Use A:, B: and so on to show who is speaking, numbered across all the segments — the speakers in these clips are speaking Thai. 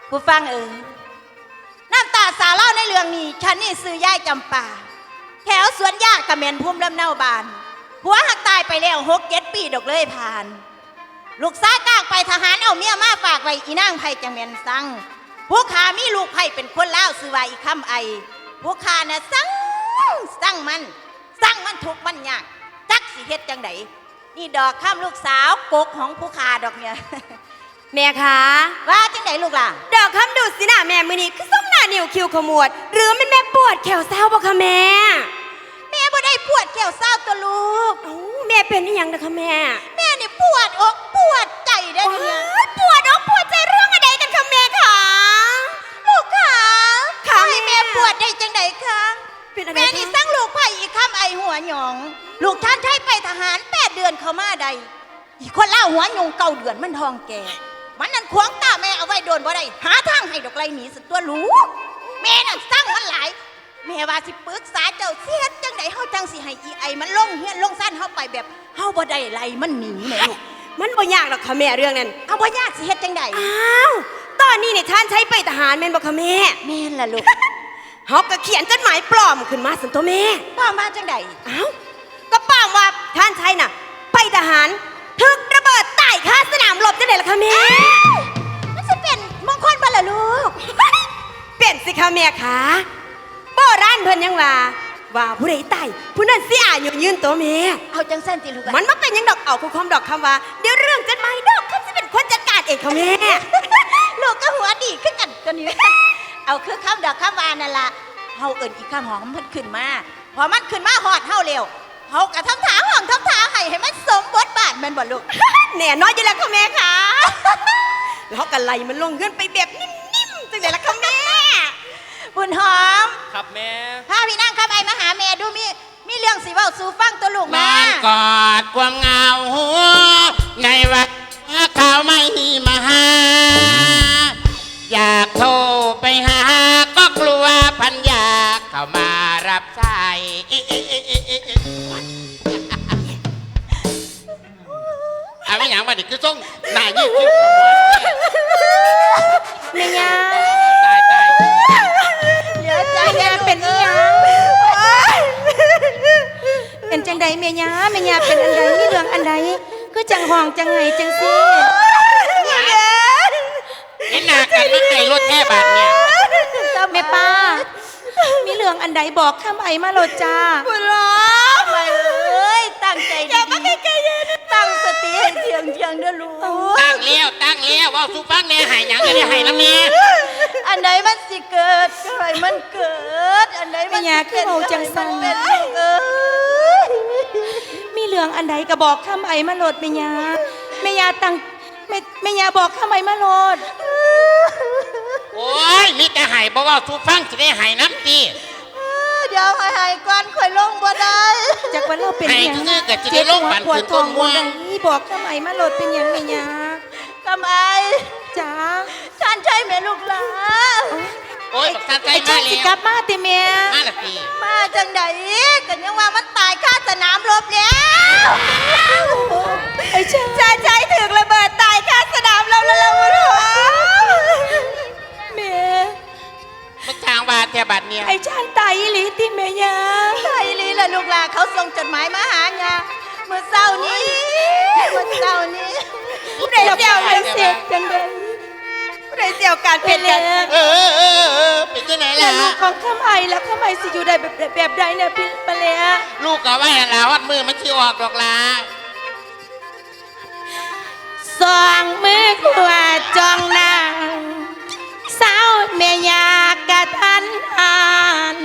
A: ผู้ฟังน้ำตาสาวเล่าในเรื่องนี้ฉันนี่ซื้อย่ายจำปาแถวสวนยากกระเมนพุ่มลำเนาบานผัวหักตายไปแล้ว6-7 ปีดอกเลยผ่านลูกสาวกางไปทหารเอาเมียมาฝากไว้อีนางไผ่จังเมนสั่งผู้ขามีลูกไผ่เป็นคนเล่าซื้อว่าอีคำไอผู้ขาน่ะสั่งมันทุกมันยากจักสิเฮ็ดจังไดนี่ดอกข้ามลูกสาวกกของผู้ขาดอกเนี่ย
B: แม่คะ
A: ว่าจังไดลูกล่ะ
B: ดอกคำดูสินะแม่มือนี้คือส่งหน้านิ้วคิ้วขมวดหรือมันแม่ปวดแขวเศร้าบ่คะแม่
A: บ่ได้ปวดแขวเศร้าตัวลูก
B: แม่เป็นยังนะคะแม่
A: นี่ปวดอกปวดใจได้เนี่ย
B: ปวดอกปวดใจเรื่องอะไรกันคะแม่คะ
A: ลูกค่ะให้แม่ปวดได้จังไดคะแม่นี่สร้างลูกไผ่อีกคำไอหัวหยองลูกท่านใช้ไปทหาร8 เดือนเขามาใดอีกคนเล่าหัวหยง9 เดือนมันทองแก่มันนั่นขวางตาแม่เอาไว้โดนบ่ได้หาทางให้ดอกไล่หนีสักตัวลูกแม่นั่นสร้างมันหลายแม่ว่าสิปรึกษาเจ้าเสียจังไดเฮาจังสิให้อีไอมันลงเฮียนลงซ่านเฮาไปแบบเฮาบ่ได้ไล่มันหนีแม่ลูก
B: มันบ่ยากหรอกค่ะแม่เรื่องนั้น
A: เอาบ่ยากสิเฮ็ดจังได
B: อ้าวตอนนี้เนี่ยท่านใช้ไปทหารแม่นบ่คะแม่
A: แม่นล่ะลูก
B: เฮาก็เขียนจดหมายปลอมขึ้นมาสันตัวแม่
A: ปลอมมาจังได
B: อ้าวก็ป้ามว่าท่านใช้น่ะไปทหารทึกระเบิดใต้ข้าสนามรบจังได๋ล่ะคะแม่
A: มันสิเป็นมงคลบ่ล่ะลูก
B: เป็นสิคะแม่คะโบราณเพิ่นยังว่าผู้ใดตายผู้นั้นสิอายุยืนตัวแม่
A: เอาจังซั่นติลูก
B: มันบ่เป็นหยังดอกเอาผู้คอมดอกคำว่าเดี๋ยวเรื่องจดหมายดอกคำสิเป็นคนจัดการเองค่ะแม่
A: ลูกก็หัวดีขึ้นกันตัวนี้เอาคือคำดอกคำวานั่นล่ะเฮาเอิ้นอีกคำหอมมันขึ้นมาพอมันขึ้นมาฮอดเฮาเร็วเฮาก็ทำท่าห้องทำท่าให้มันสมบทบาทแม่นบ่ลูก
B: แน่นอนอยู่แล้วค่ะแม่ค่ะแล้วเฮาก็ไล่มันลงเงินไปแบบนิ่มๆจังได๋ล่ะค่ะแม่
A: บุญหอม
C: ครับแม่
A: พาพี่นั่งครับไอ้มาหาแม่ดูมีเรื่องสิเว้าสู่ฟังตัวลูก
C: มากอดความเหงาไงวะเขาไม่มาหาอยากโทรไปหาก็กลัวพันยาเข้ามารับสายเอาไม่หยังมาดิคือส่งหน้ายิ่งคิ้วขมวด
B: แม่ยา
C: ตาย
A: เดี๋ยวใจแม่เป็นอีหยัง
B: เป็นจังใดแม่ยาเป็นอันใดมีเรื่องอันใดคือจังห้องจังไงจังซี่
C: เห็นหน้ากันไม่ให้รถแค่บาทเนี่ย
B: แม่ป้ามีเรื่องอันใดบอกข้ามไอมาโลจ้า
A: บุญล้อมไปเลยตั้งใจดีอย่ามาใกล้ๆตั้งสติให้เที่ยงเด้อลูก
C: ตั้งแล้วว่าสุฟังแน่หายหยังจะหายน้ำเนี่ย
A: อันไหนมันสิเกิดก็ให้มันเกิดอันไหนมัน
B: อยากขึ้นเอาจังสันมีเรื่องอันใดก็บอกข้ามไอมาโลดแม่ยาตั้งแม่ยาบอกข้ามไอมาโลด
C: โอ้ยมีแต่หายบอกว่าสุฟังจะได้หายน้ำตี
A: เดี๋ยวหายก่อนค่อยลงบ่ได้
B: จากวันเราเป็น
C: ยังเจ็บหัวปวดท้องบ่ได้
B: บอกข้ามไอมาโลดเป็นยังแม่ยา
A: ข้ามไอ
B: จ้า
A: ท่านใช่แม่ลูกหลา
C: โอ้ยท่านใช่
B: มาแล้วสิกลับมาติแม่
C: มาละตี
A: มาจังไดกันยังว่ามันตายข้าสนามรบแล้ว
B: ไอ้ชายถึงระเบิดตายข้าสนามรบแล้วแม่
C: ลูกทางบาดแถบัดเนี่ย
B: ไอ้ชานตายอีหลีติแม่ยา
A: ตายอีหลีล่ะลูกหลาเขาส่งจดหมายมาหาไงเมื่อเช้านี้
B: ผู้ใดเจ้าเสียจังไดผู้ใดเจ้าการเป็นกัน
C: เป็นที่ไหน
B: ล่ะลูกของข้ามไอแล้วข้ามไอสิอยู่ได้แบบใดเนี่ยพี่ปะเละ
C: ลูกก็ว่าแล้ววัดมือมันชิออกดอกลา
B: สองมือขวาจ้องนางสาวเมียากะทันหัน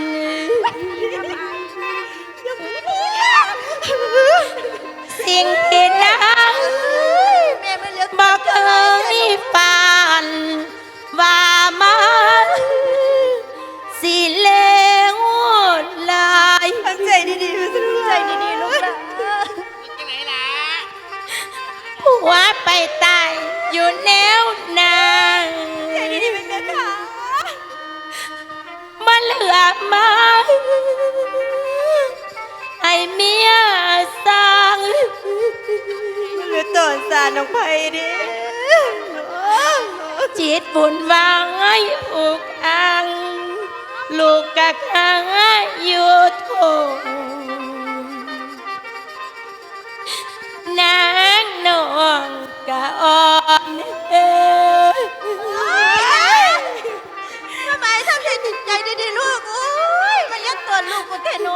B: สิ่งที่นางบอกเคยฝันว่ามันสิเลวลาย
A: ใจดีๆลูกนะ
C: ที่ไหนล่ะ
B: ผัวไปตายอยู่แนวนาง
A: ใจดีๆเป็นไงคะ
B: มาเหลือมาให้เมียสร้าง
A: เหลือตอนสารน้องไผ่ดิ
B: จจิตบุญวางอุกอังลูกกะข้าอยู่ทงนางนองกะอ่อนเอ้ย
A: ทำไมทำให้จิตใจดีๆลูกโอ้ยมันยัดตัวลูกกูเทโน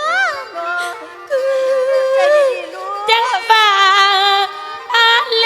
A: ใจดีๆลูก
B: จังฟ้าอะไร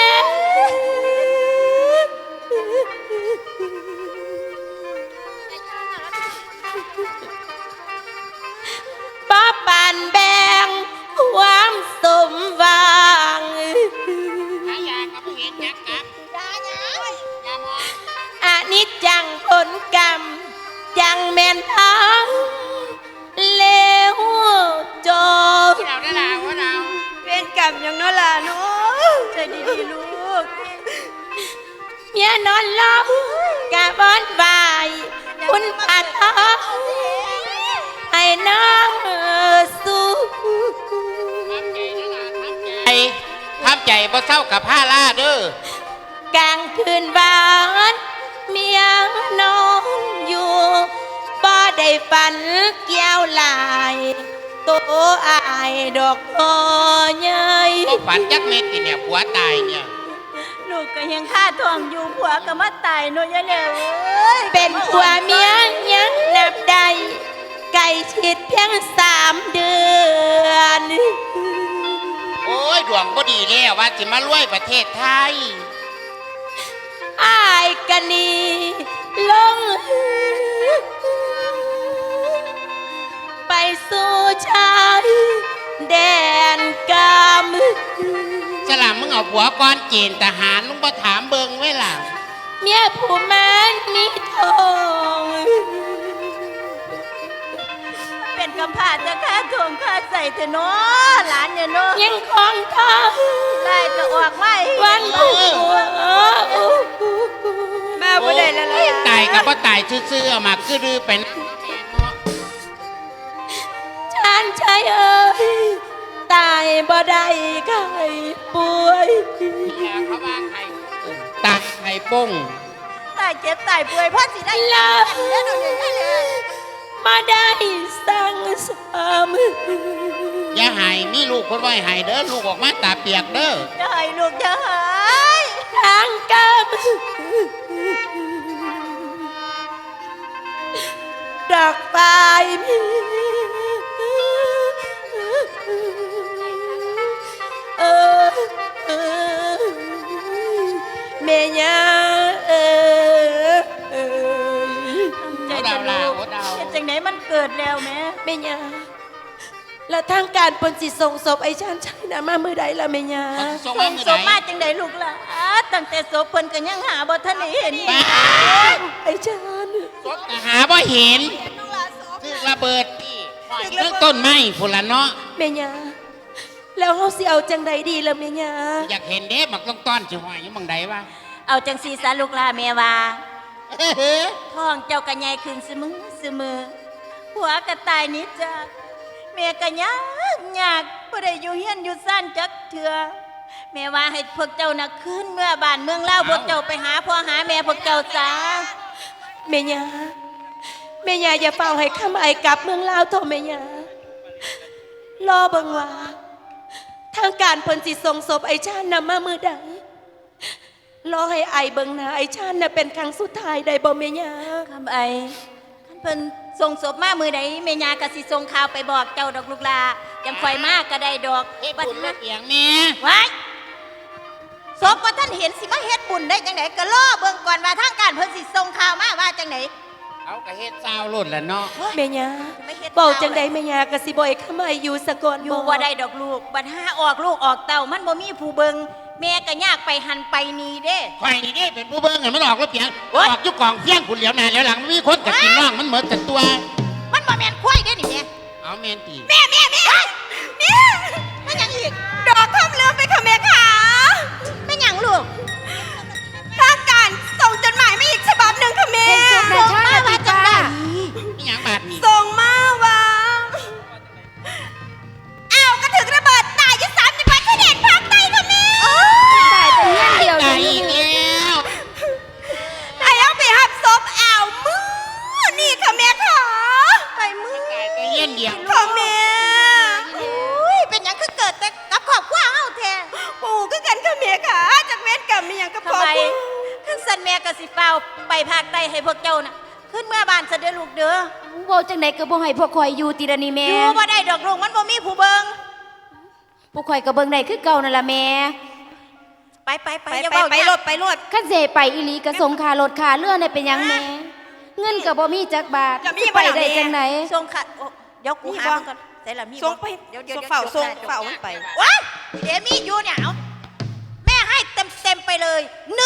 B: ป้าปานแบงความสมหวัง
C: หายากับผู้เห็นยักษ์กับยาหมอ
B: อันนี้จังผลกรรม จังแม่นทางเลวจบ
C: ที่เราได้ลาว่าเรา
A: เป็นกรรมอย่างนั้นล่ะเนาะใจดีๆลูก
B: เมียนอนหลับกะบอนบายคุณผ่าท้องให้น้องสู้
C: ทำใจบ่เศร้ากับผ้าล่าเด้อก
B: ลางคืนบ้านเมียนอนอยู่บ่ได้ฝันเกี่ยวหลายตัวอายดอกคอใหญ่
C: บ่ฝันจักเม็ดนี่เนี่ยผัวตายเนี่ย
A: ลูกก็ยังฆ่าทองอยู่ผัวก็มาตายเนาะยายแล้วเอ้ย
B: เป็นผัวเมียยังนับได้ไก่ชิดเพียง3 เดือน
C: โอ้ยดวงบ่ดีแล้วว่าสิมารวยประเทศไทย
B: อายกันนี่ลงไปสู่ชายแดนกาม
C: สลามมึงเอาผัวก่อนเกณฑ์ทหารมึงบ่ถามเบิ่งไว้ล่ะ
B: เมียผู้มันมีทอง
A: เป็นกำพร้าจะฆ่าทองฆ่าใส่เถอะเนาะหลานเนี่ยเนาะ
B: ยังคองทอง
A: ไล่จะออกมาให้
B: วันผัว
A: แม่บ่ได้แล้วล่ะ
C: ตายกับบ่ตายซื่อๆเอามาคือดื้อไปนะ
B: ฉันชายเอ้ยตายบ่ได้ใครป่วย
C: เขาว่าใครตายใครป้ง
A: ตายเจ็บตายป่วยเพราะสิได้
B: ลา
A: เด้อเดี๋ยวนี้เด้อ
B: มาได้สั่งสาม
C: อย่าหายมีลูกคนไว้หายเด้อลูกออกมาตาเปียกเด้อ
A: จะให้ลูกจะหาย
B: ทางกับดอกปลายมีเออเออแม่ยาเออเออ
A: ใจจะลูกเฮ็ดจังไหนมันเกิดแล้วแม่
B: แม่ยาแล้วทางการปนสิส่งศพไอ้ชานชัยนะมามือใดละแม่ยา
C: มันส่ง
A: ส่
C: มาง เมื่อ
A: ศ
C: ไห
A: พมา
C: ร่
A: จังไดลูกล่ะตั้งแต่ศพเพิ่นก็ยังหาบ่ทันได้เห็น
C: ป้า
B: ไอ้ชาน
C: ศพก็หาบ่เห็นถึกระเบิดที่เรื่องต้นไม้พุ่นละเนาะ
B: แม่ยาแล้วเฮาสิเอาจังใดดีละแม่ยา
C: อยากเห็นเด้บักต้องต้อนสิหอยอยู่บังใดวะ
A: เอาจังซี่ซะลูกล่ะแม่ว่า
C: เฮ้
A: ท้องเจ้าก็ใหญ่ขึ้นเสมอผัวก็ตายหนี้จากแม่ก็ยากบ่ได้อยู่เฮียนอยู่ซ่านจักเทื่อแม่ว่าให้พวกเจ้าน่ะคืนเมื่อบ้านเมืองลาวพวกเจ้าไปหาพ่อหาแม่พวกเจ้าซะ
B: แม่ยาแม่ยาอย่าเฝ้าให้ข้าไอ้กลับเมืองลาวเถอะแม่ยา รอเบิ่งว่าทางการเพิ่นสิส่งศพไอ้ชาตินำมามือใดรอให้ไอ้เบิ่งหน้าไอ้ชาติน่ะเป็นครั้งสุดท้ายได้บ่แม่ย่า
A: คำไอ้คันเพิ่นส่งศพมามือใดแม่ยาก็สิส่งข่าวไปบอกเจ้าดอกลูกลาจังค่อยมาก็ได้ดอก
C: เฮ็ดบุญเฮ็ดเอียงแม่
A: ไว้ศพว่าท่านเห็นสิมาเฮ็ดบุญได้จังไดก็รอเบิ่งก่อนว่าทางการเพิ่นสิส่งข่าวมาว่าจังได
C: เอากระเฮ็ดซาวรุ่นละเนาะ
B: แม่ย่า
A: ไม่เฮ็ด
B: เว้าจังใดแม่ย่าก็สิบ่ให้ข้าไอ้อยู่ซะก่อน
A: อยู่บ่ได้ดอกลูกบัดหาออกลูกออกเต้ามันบ่มีผู้เบิ่งแม่ก็ยากไปหันไปนี่เด้
C: ข่อยนี่เด้เป็นผู้เบิ่งให้มันออกแล้วเปียงออกอยู่กองเพียงคุณเหลียวหน้าเหลียวหลังมันมีคนกักินน้องมันเหมือนกันตัว
A: มันบ่แม่นควายเด้นี่แม่
C: เอาแม่นตี
A: แม่มันหยังอีก
D: ดอกคำเลือไปค่ะแม่ขา
A: มันหยังลูก
D: ทางการส่งจดหมายมาอีกฉบับหนึ่งค่ะแม่
A: ส่งมาว่าจังได๋
C: นี่หยังบาดนี่
D: ส่งมาว่าอ้าวก็ถึงระเบิดตายอยู่3 จังหวัดชายแดนภาคใต้ค่ะแม่
B: ตายแต่เงี้ยเดียว
C: ตายอีกแล้ว
A: สันแม่กะสิเฝ้าไปภาคใต้ให้พวกเจ้าน่ะขึ้นเมื่อบ้านซะเด้อลูกเด้อ
E: เว้าจังไดก็บ่ให้พวกข่อยอยู่ติดานี่แม่
A: อยู่บ่ได้ดอกลูกมันบ่มีผู้เบิง
E: พวกข่อยก็เบิ่งได้คือเก่านั่นล่ะแม่
A: ไปไปไป
D: ไป
A: อย่า
D: ไป
A: เว้า
D: ไป
A: หยัง
D: รถไปรถ
E: คันเสไปอีหลีก็ส่งค่ารถค่าเรือนี่เป็นหยังแม่เงินก็บ่มีจักบาท
D: จะมี
E: สิ
D: บ่
E: ไป
D: ล่ะ
E: ได้
D: แม่
E: จังไหน
A: ส่งขัดโอ้เดี๋ยวกู
D: มี
A: หา
D: บ่
A: มันก่อนใส่ละมี
D: ส่งไป
A: เดี๋ยว
D: ส่งเฝ้าส่งเฝ้ามันไป
A: ว้ายเดี๋ยวมีอยู่เนี่ยเอาแม่ให้เต็มไปเลย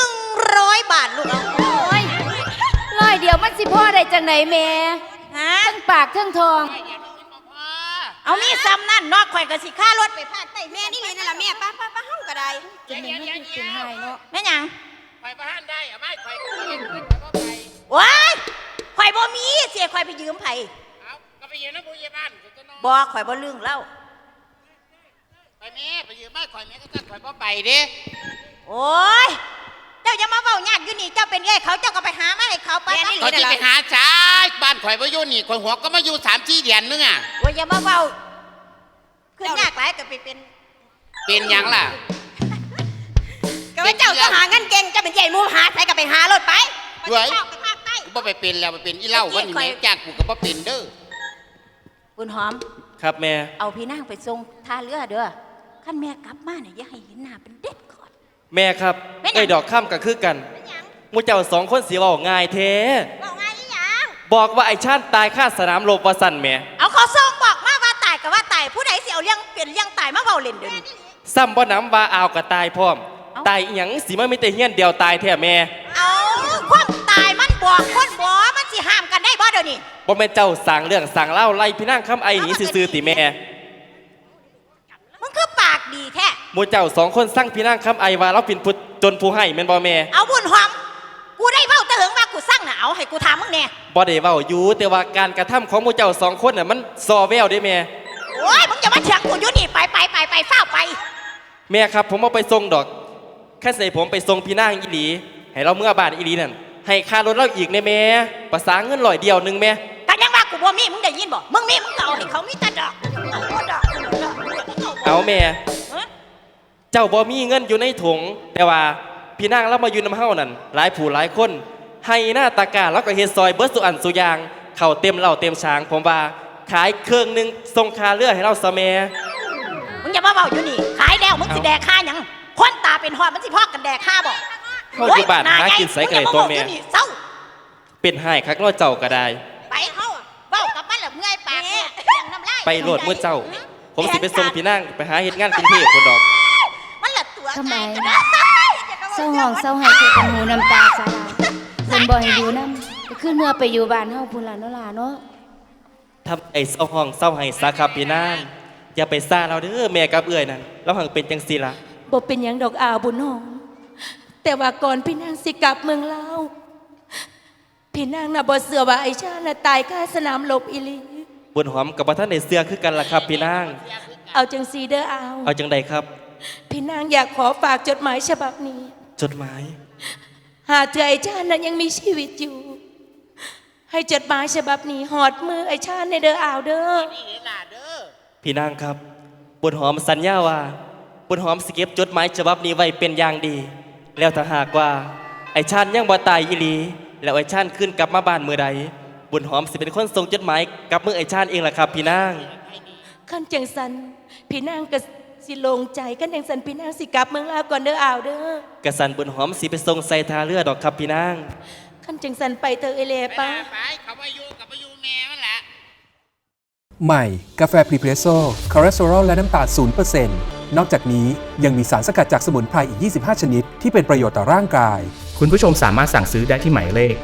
A: 100 บาทลูกเอา
E: โอ้ยร้อยเดียวมันสิพอได้จังไหนแม่
A: ฮะ
E: ทั้งปากทั้งทอง
A: เอามีซ้ำนั่นนอกข่อยก็สิค่ารถไปภาคใต้
D: แม่นี่นี่นั่นล่ะแม่ป้าเฮาก็ได้
E: จนมันไม่เป็นไห้เนาะ
A: แม่หยัง
C: ไปบ้านได้อะไม่ข่อยก็เห็นขึ้นไปบ่ไป
A: ว้ายข่อยบ่มีเสียข่อยไปยืมไผ
C: เอาก็ไปยืนน้ำผู้ใหญ่บ้านจะนอน
A: บ่ข่อยบ่ลืงเล่า
C: ไปแม่ไปยืนบ้านข่อยแม่ก็จะข่อยบ่ไปเด้
A: โอ้ยเจ้าอย่ามาเว้ายากอยู่นี่เจ้าเป็นเอ้ยเขาเจ้าก็ไปหามาให้เขาไป
D: แม่นี่
C: ข่อยจะไปหาชายบ้านข่อยบ่อยู่นี่ข่อยหัวก็มาอยู่3-4 เดือนนึงอ่ะ
A: โอ้ยอย่ามาเว้าคือยากหลายก็ไปเป็น
C: เป็นหยังล่ะ
D: ก็ว่าเจ้าจะหาเงินเก่งจะเป็นใหญ่มูหาใส่ก็ไปหารถไป
C: ด้วย
D: ไปภาคใต้
C: กูบ่ไปเป็นแล้วไปเป็นอีเหล้าวันนี้แม่จ้างกูก็บ่เป็นเด้อ
A: บุญหอม
F: ครับแม่
A: เอาพี่นางไปส่งท่าเรือเด้อขั้นแม่กลับมาเนี่ยอย่าให้เห็นหน้าเป็นเด็ดก่อน
F: แม่ครับ
A: แม่หยัง
F: เอ้ยดอกข้ามก็คือกัน
D: เป็นหยัง
F: หมูเจ้าสองคนสิเว้าง่ายแท้
D: บอกไงอีหยัง
F: บอกว่าไอ้ชาติตายข้าสนามรบว่าสั่นแม่
A: เอาเขาส่งบอกมาว่าตายกับว่าตายผู้ใดสิเอาเรื่องเปลี่ยนเรื่องตายมาเว้าเล่นเดี๋ยวนี้
F: ซ้ำบ่น้ำว่าอาวก็ตายพร้อม
A: เอ้า
F: ตายอีหยังสิมามีแต่เฮียนเดียวตายแท้แม่
A: เอาความตายมันบอกคนบ่มันสิห้ามกันได้บ่เดี๋ยวนี้
F: บ่แม่นเจ้าสั่งเรื่องสั่งเล่าไล่พี่นางคำไอ้หนี้ซื่อๆติแม่
A: มึงคือปากดีแท้
F: หมูเจ้าสองคนสั่งพี่นางคำไอ้ว่าเราเป็นผู้จนผู้ให้แม่นบ่แม่
A: เอาบุญหอมกูได้เว้าแต่เหิงว่ากูสร้างหนาวให้กูถามมึงแน่
F: บ่ได้เว้าอยู่แต่ว่าการกระทำของหมูเจ้าสองคนน่ะมันซอแววเด้แม่
A: โอ้ยมึงอย่ามาเถียงกูอยู่นี่ไปเฝ้าไป
F: แม่ครับผมเอาไปส่งดอกแค่ใส่ผมไปส่งพี่นางอีหลีให้เราเมื่อบ้านอีหลีนั่นให้ค่ารถเราอีกในแม่ภาษาเงิน100 เดียวหนึงแม่
A: กันยังว่ากูบ่มีมึงได้ยินบ่มึงมีมึงก็เอาให้เขามีแต่ดอกเอาดอก
F: เอาแม่
A: เอ้ย
F: เจ้าบ่มีเงินอยู่ในถุงแต่ว่าพี่นางเรามาอยู่น้ำเฮานั่นหลายผู้หลายคนให้หน้าตากาแล้วก็เฮ็ดซอยเบิดสุอันสุอยางเข้าวเต็มเหล่าเต็มช้างผมว่าขายเครื่องหนึงส่งค่าเรือให้เราซะแม่
A: มึงอย่ามาเว้าอยู่นี่ขายแล้วมึงสิแดกค่าหยังคนตาเป็นหอดมันสิพอกกันแดกค่าบ่
F: เฮาอยู่บ้านหากินไสก็ได้ตัวแม่
A: งอย่าาเว้าอยู่นี่เศร้า
F: เป็นให้คักน้อเจ้าก็ได้
A: ไปเฮาเว้ากับมันแล้วเมื่อยปากเนี่ยเสียงน้ำลาย
F: ไปโลดมื้อเจ้า ผมสิไปส่งพี่นางไปหาเฮ็ดงานกรุงเทพพุ่นดอก
A: มันละตัว
E: ทำไม
A: ง่ายก็ได้
E: เศร้าห้องเศร้าไห้คือกันหูน้ำตาสาราเพิ่นบ่ให้อยู่นำก็คือเมื่อไปอยู่บ้านเฮาพุ่นล่ะเนาะล่ะเนาะ
F: ทำไอ้เศร้าห้องเศร้าให้ซะครับพี่นางอย่าไปซ่าเราเด้อแม่กับเอื้อยนั่นเราหังเป็นจังซี่ล่ะ
B: บ่เป็นหยังดอกอาวบุญหอมแต่ว่าก่อนพี่นางสิกลับเมืองลาวพี่นางน่ะบ่เชื่อว่าไอ้ชาน่ะตายคาสนามรบอีหลี
F: บุญหอมกับบ่ทันได้เสื้อคือกันล่ะครับพี่นาง
B: เอาจังซีเด้ออาว
F: เอาจังใดครับ
B: พี่นางอยากขอฝากจดหมายฉบับนี้
F: จดหมาย
B: หากเธอไอ้ชาตินั้นยังมีชีวิตอยู่ ให้จดหมายฉบับนี้หอดมือไอ้ชาติในเด้ออาวเด้อ
C: นี่ล่ะเด้อ
F: พี่นางครับ บุญหอมสัญญาว่า บุญหอมสิเก็บจดหมายฉบับนี้ไว้เป็นอย่างดี แล้วถ้าหากว่า ไอ้ชาติยังบ่ตายอีหลี แล้วไอ้ชาติขึ้นกลับมาบ้านมือใด บุญหอมสิเป็นคนส่งจดหมายกลับมือไอ้ชาติเองล่ะครับ พี่นาง
B: ขั้นจังสันพี่นางก็สิโลงใจขั้นจังสันพี่นางสิกลับเมืองลาวก่อนเด้ออาวเด้อก
F: ระสันบุญหอมสิไปส่งใส่ทาเรือดอกครับพี่นาง
B: ขั้นจังสันไปเถอะเอเล
C: ไป
B: ป้า
C: ไปเขามาอยู่กับมาอยู่แม่มันแหละ
G: ใหม่ กาแฟพรีเพรสโซ่คอเลสเตอรอลและน้ำตาล0%นอกจากนี้ยังมีสารสกัดจากสมุนไพรอีก 25 ชนิด ที่เป็นประโยชน์ต่อร่างกาย
H: คุณผู้ชมสามารถสั่งซื้อได้ที่หมายเลข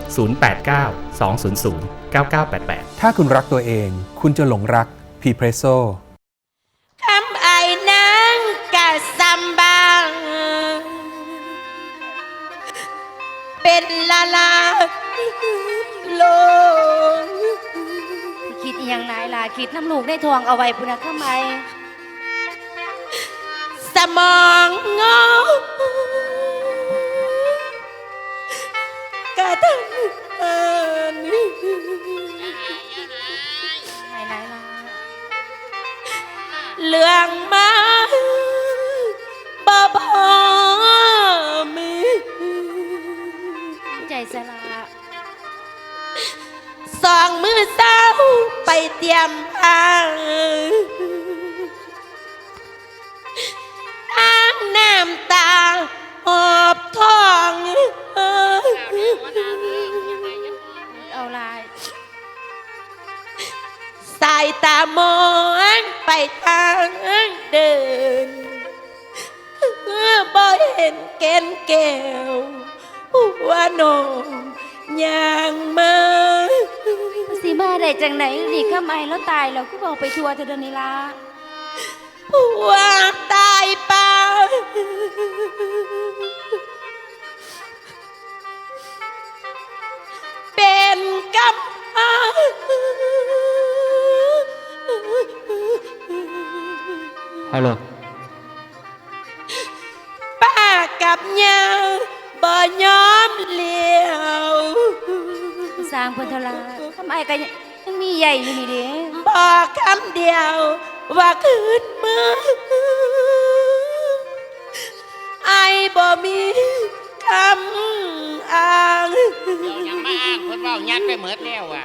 H: 089 200 9988
G: ถ้าคุณรักตัวเอง คุณจะหลงรักพรีเพรสโซ่
B: คำไอ้นางกะซัมบังเป็นละลาโลง
E: คิดอีหยังหลายล่ะคิดน้ำลูกได้ทองเอาไว้พุ่นน่ะทำไม
B: สมองงอกะทันหัน
E: หายหลายล่ะ
B: เรื่องมาบ่พอมี
E: สละ
B: สองมือเศร้าไปเตรียมทางทางน้ำตาหอบทอง
E: เอาลาย
B: สายตามองไปทางเดินบ่เห็นแก่นแก้วว่าน้องย่างมา
E: สิมาได้จังไหนนี่ข้าไม่แล้วตายแล้วก็บอกไปทัวร์เธอเดินนี่ละ
B: ว่าตายเปล่าเป็นกำอ้า
F: ฮัลโหล
B: ป้ากับยาบ่ยอมเลี้ยว
E: สร้างเพิ่นเทาละข้าไม่ก็ยังมีใหญ่อยู่นี่เด้
B: บอกคำเดียวว่าคืนมือไอ้บ่มีคำอ้าง
C: เดี๋ยวยังมาอ้างเพิ่นเว้ายัดไปเหมือดแล้วอ่ะ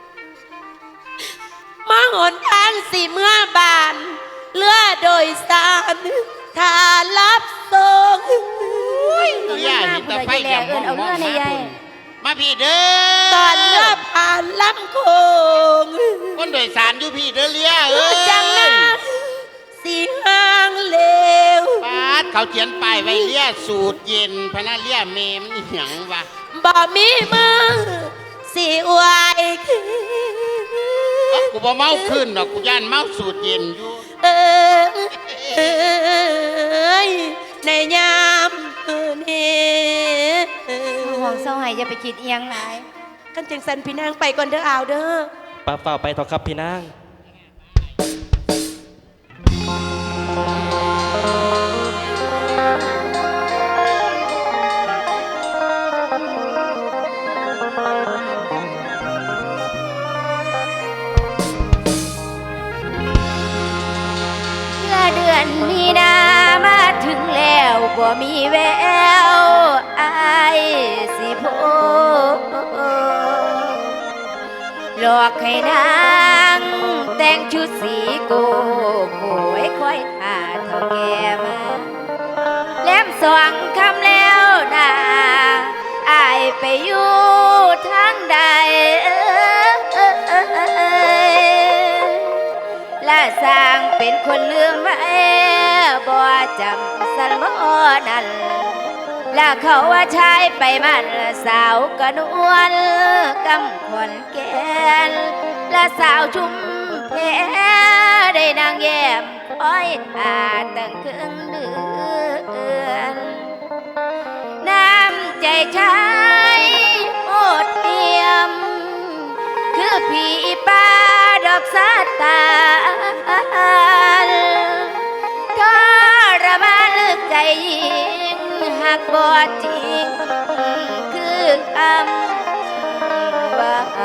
B: มาหนทางสิเมื่อบานเรือโดยสารถ้ารับส่ง
C: ย่าเห็นแตะไฟกับมองมองมาพี่เด้อ
B: ตอนเรือผ่านลำโคง
C: คนโดยสารอยู่พี่เด้อเลี้ยเอ้ย
B: จังนะสีห้างเลว
C: ปาดเขาเขียนป้ายไว้เลี้ยสูตรเย็นพะนะเลี้ยเมมอีหยังวะ
B: บ่มีมือสิอวย
C: กูบ่เมาขึ้นดอกกูย่านเมาสูตรเย็นอยู่
B: เอยในยามนี้
E: ห่วงเศร้าหายอย่าไปคิดเอียงหลาย
B: กันจังสันพี่นางไปก่อนเด้ออ่าวเด้อ
F: ป้าเปล่าไปเถอะครับพี่นาง
E: เดือนมีนามาถึงแล้วบ่มีแววอายสิโพหลอกให้นางแต่งชุดสีโกโกไว้คอยท่าเท่าแก่มาแหลมสว่างคำแล้วนาอายไปอยู่ทางใดและสร้างเป็นคนลืมไว้บ่จำสันบ่นั่นและเขาว่าชายไปมันสาวกระนวลกำขอนแก่นและสาวชุมแพได้นางแย้มคอยท่าตั้งครึ่งเดือนน้ำใจชายโอดเอี่ยมคือผีป่าดอกสาตานทรมานใจยิ่งหักบ่จริงคือคำว่าเอา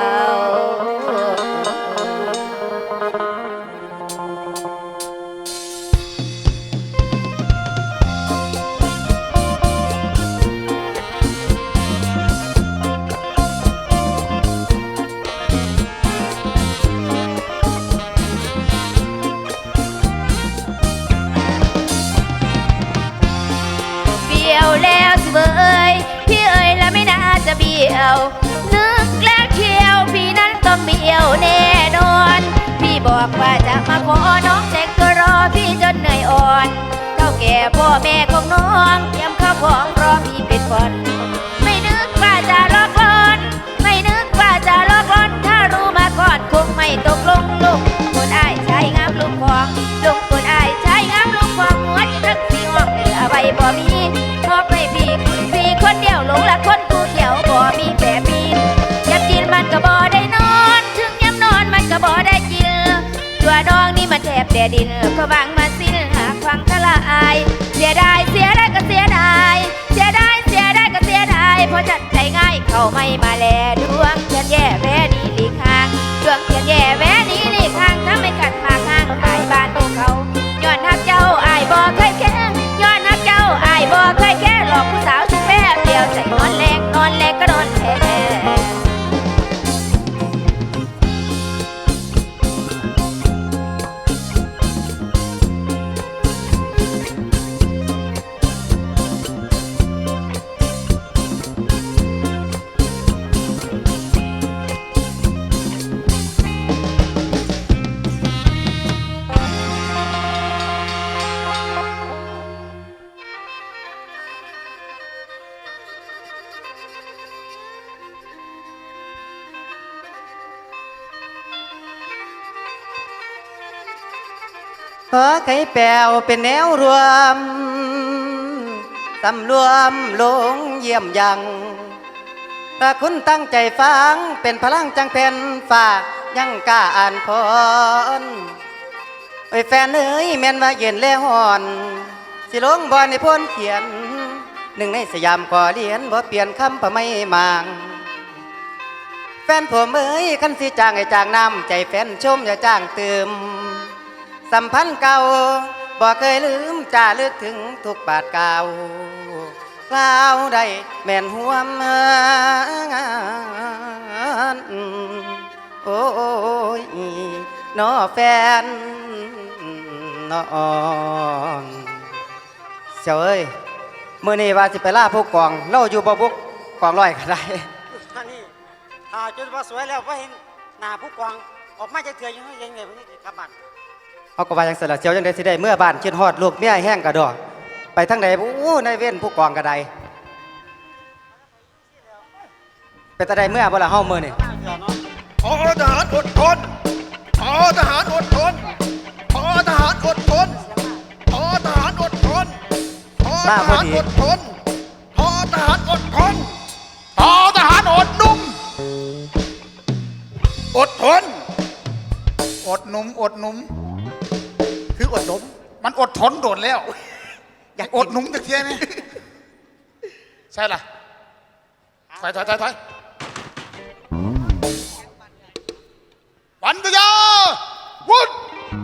E: เบี้ยวแล้วสิเบยพี่เอ๋ยและไม่น่าจะเบี้ยวนึกแล้วเชียวพี่นั้นต้องเบี้ยวแน่นอนพี่บอกว่าจะมาขอน้องแต่ก็รอพี่จนเหนื่อยอ่อนเท่าแก่พ่อแม่ของน้องเตรียมข้าวของรอพี่เป็นฝนไม่นึกว่าจะลอกล้อนไม่นึกว่าจะลอกล้อนถ้ารู้มาก่อนคงไม่ตกลงลูกคนอ้ายชายงามลูกของลูกคนอ้ายชายงามลูกของหัวที่รักพี่ห้องเหลือไว้บ่มีพอไปพี่คนเดียวหลงละคนกูเขียวบ่มีแผลปีนยับกินมันก็บ่ได้นอนถึงย้ำนอนมันก็บ่ได้กินตัวน้องนี่มันแทบแต่ดินก็บังมาสิ้นหากฟังทลายเสียดายเสียดายก็เสียดายเสียดายเสียดายก็เสียดายเพราะฉันใจง่ายเข้าไม่มาแลดวงเทียนแย่แว่นี้หลีกห่างดวงเทียนแย่แว่นี้หลีกห่างถ้าไม่กัดมาข้างตายบ้านพวกเขาย้อนหักเจ้าอายบ่เคยแค่ย้อนหักเจ้าอายบ่เคยแค่หลอกผู้สาวชุดแป๊บเดียวใจนอนแรงก็นอนแท
I: ขอไข่แปวเป็นแนวรวมสำรวมลงเยี่ยมยังถ้าคุณตั้งใจฟังเป็นพลังจังเป็นฝากยังกล้าอ่านพรไอ้แฟนเอ้ยแม่นว่าเย็นและห่อนสิลงบอลในพ้นเขียนหนึ่งในสยามก่อเลียนบ่เปลี่ยนคำประไม่มางแฟนผมเอ้ยคันสิจ้างให้จ้างน้ำใจแฟนชมอย่าจ้างเติมสัมพันธ์เก่าบ่เคยลืมจ่าลึกถึงทุกบาทเก่าคราวใดแม่นห่วมโอ้ยน้อแฟนน้องเจ้าเอ้ยมื้อนี้ว่าสิไปล่าผู้กองเล่าอยู่บ่บุกกองร้อยก็ได้
J: ท่านนี่จนว่าสวยแล้วว่าเห็นหน้าผู้กองออกมาจะเถื่อนยังไงพวกนี้กลับบ้าน
I: เขาก็ว่าอย่างเสร็จแล้วเจียวยังได้สิได้เมื่อบ้านคิดฮอดลูกเมียแห้งกระดอกไปทั้งไหนอู้ในเว้นผู้กองกระไดเป็นตาใดเมื่อบ่ละเฮามื้อนี่
K: ขอทหารอดทนขอทหารอดทนขอทหารอดทนขอทหารอดทนขอทหารอดทนขอทหารอดทนขอทหารอดนุ่มอดทนอดนุ่มอดนุ่มคืออดนุ่มมันอดทนโดดแล้วอยากอดนุ่มตะเคียนนี่ใช่ล่ะถอยปัญญาวุฒ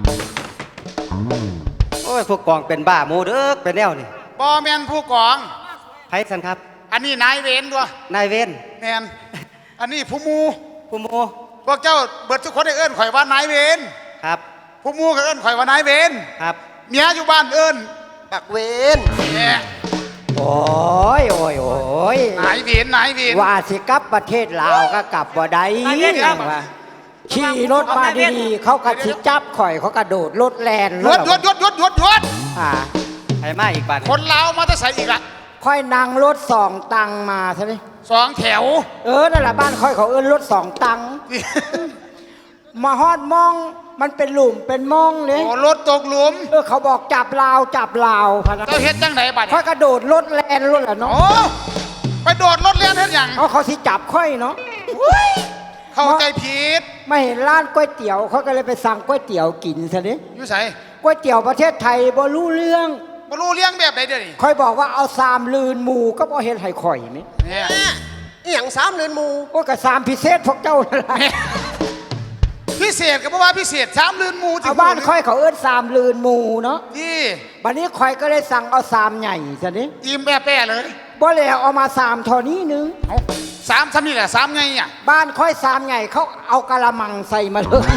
I: โอ้ยผู้กองเป็นบ้าโมเด้อเป็นแนวนี่
K: บอแมนผู้กอง
I: ไผสันครับ
K: อันนี้นายเวรตัวน
I: ายเว้น
K: แมนอันนี้ผู้มู
I: ผู้โม
K: พวกเจ้าเบิดทุกคนได้เอิ้นข่อยว่านายเวร
I: ครับ
K: ผู้มูก็เอิ้นข่อยว่านายเวร
I: ครับ
K: เมียอยู่บ้านเอิ้น
J: บักเวน
K: เนี่ย
J: โอ้ย
K: นายเวรนายเวร
J: ว่าสิกลับประเทศลาวก็กลับบ่ได้ว่าขี่รถมาดีๆเขาก็สิจับข่อยเขากระโดดรถแลน
K: หยุด
J: อ่า
I: ไผมาอีกบัด
K: คนลาวมาจะใส่อีกละ
J: ค่อยนั่งรถ2 ตังมาใช่ไหม
K: 2 แถว
J: นั่นแหละบ้านค่อยเขารถ2 ตังมาฮอดมองมันเป็นหลุมเป็นมองเลย
K: โอ้รถตกหลุม
J: เขาบอกจับลาวพะนะ
K: เจ้าเฮ็ดจังไหนบัด
J: ค่อยกระโดดรถแลนรถแหละเนาะ
K: โอ้ไปโดดรถเลี้ยงเฮ็ดหยัง
J: เขาสิจับค่อยเนาะ
K: เข้าใจผิด
J: ไม่เห็นร้านก๋วยเตี๋ยวเขาก็เลยไปสั่งก๋วยเตี๋ยวกินซะนี่
K: อยู่ไส
J: ก๋วยเตี๋ยวประเทศไทยบ่รู้เรื่อง
K: บ่รู้เลี้ยงแบบไหนเดี๋ยวนี้
J: ค่อยบอกว่าเอา3 ลืนหมูก็บ่เห็นให้ข่อยนี่
K: เนี่ย
J: อีหยัง3 ลืนหมูก็3 พิเศษพวกเจ้านั่นแหละ
K: พิเศษก็บ่ว่าพิเศษ3 ลืนหมู
J: เอาบ้านค่อยเขา3 ลืนหมูเนาะ
K: นี่
J: บัดนี้ค่อยก็เลยสั่งเอา3 ใหญ่ซะนี่
K: อิ่มแป้ๆเลย
J: บ่แล้วเอามา3 เท่านี้นึง
K: เอา3ซ้ำนี่แหละ3ไงอ่ะ
J: บ้านค่อย3 ใหญ่เขาเอากะละมังใส่มาเลย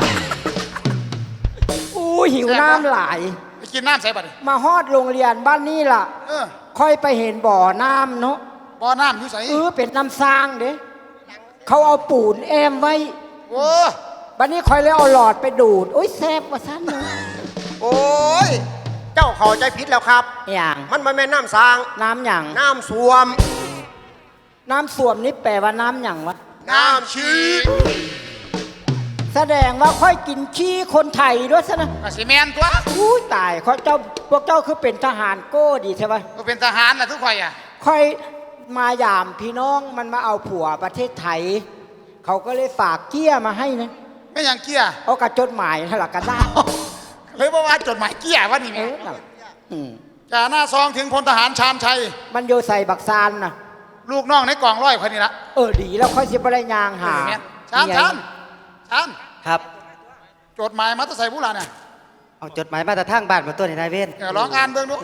J: อู้หิวน้ำหลาย
K: ไปกินน้ำใส่บัดนี้
J: มาฮอดโรงเรียนบ้านนี้ล่ะ ค่อยไปเห็นบ่อน้ำเนาะ
K: บ่อน้ำอยู่ไส
J: เป็นน้ำสร้างเด้เขาเอาปูนแอมไว้
K: โอ้
J: บัดนี้ค่อยเลยเอาหลอดไปดูดโอ้ยแซ่บว่าซั่นเนาะ
L: โอ้ย เจ้าเข้าใจผิดแล้วครับ
J: อย่าง
L: มันไม่แม่นน้ำสาง
J: น้ำอย่าง
L: น้ำสวม
J: น้ำส้วมนี่แปลว่าน้ำอย่างวะ
L: น้ำชี
J: แสดงว่าค่อยกินขี้คนไทยด้วยซะนะ
K: ก็สิแม่นตัว
J: อู้ตายพวกเจ้าคือเป็นทหารโก้ดีใช่ไหม
K: ก็เป็นทหารล่ะทุกข่อยอ่ะ
J: ค่อยมายามพี่น้องมันมาเอาผัวประเทศไทย เขาก็เลยฝากเกี้ยมาให้นะ
K: ไม่ยังเกี้ย
J: เอากระจดหมายนั่นแหละกันได้
K: เลยบอกว่าจดหมายเกี้ยว่านี่แม่จ่าหน้าซองถึงพลทหารชาญชัย
J: มันโยใส่บักซานนะ
K: ลูกน้องในกองร้อยคนนี้ละ
J: ดีแล้วค่อยสิบได้ยางหา
K: ชาญ
I: ครับ
K: จดหมายมาต้องใส่ผู้หลานน่ะ
I: เอาจดหมายมาแต่ทางบ้านมาตัวนี่นายเว้น
K: ลองอ่านเบิ่งดู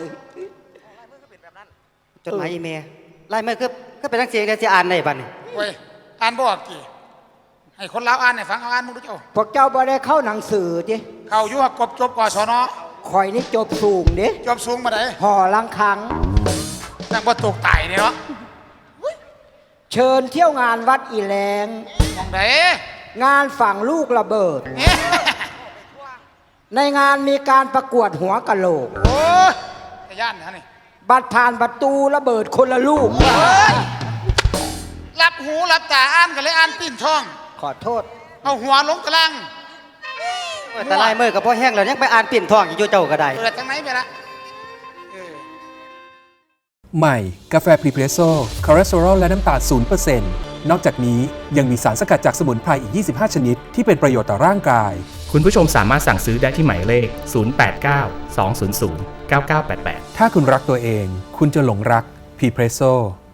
I: จดหมายอีเมลไล่เมื่อคือเป็นนักเสียงเดี๋ยวจะอ่านได้บัดนี่
K: เว้ยอ่านบ่ออกกี่ให้คนลาวอ่านให้ฟังเอาอ่านมึงดูเจ้า
J: พวกเจ้าบ่ได้เข้าหนังสือดิ
K: เข้าอยู่กับกบจบกศน
J: คอยนี่จบสูงดิ
K: จบสูงมาได้
J: ห่อลังคัง
K: จังบ่ตกตายเนี่ยเนาะ
J: เชิญเที่ยวงานวัดอีแรง
K: มองได
J: งานฝังลูกระเบิด ในงานมีการประกวดหัวกะโหลก
K: โอ้ยขยันนะนี่
J: บัตรผ่านประตูระเบิดคนละลูก
K: รับหูรับตาอ่านกันเลยอ่านปิ้นช่อง
J: ขอโทษ
K: เอาหัวลงกลาง
I: แต่ลายมือกับพ่อแห้งแล้วยังไปอ่านปิ่นทองอยู่เจ้าก็ได้
C: เปิดทางไหนไปละ
G: ใหม่ กาแฟพรีเพรสโซ่คอเลสเตอรอลและน้ำตาล 0% นอกจากนี้ยังมีสารสกัดจากสมุนไพรอีก 25 ชนิดที่เป็นประโยชน์ต่อร่างกาย
H: คุณผู้ชมสามารถสั่งซื้อได้ที่หมายเลข 089 200 9988
G: ถ้าคุณรักตัวเอง คุณจะหลงรักพรีเพรสโซ่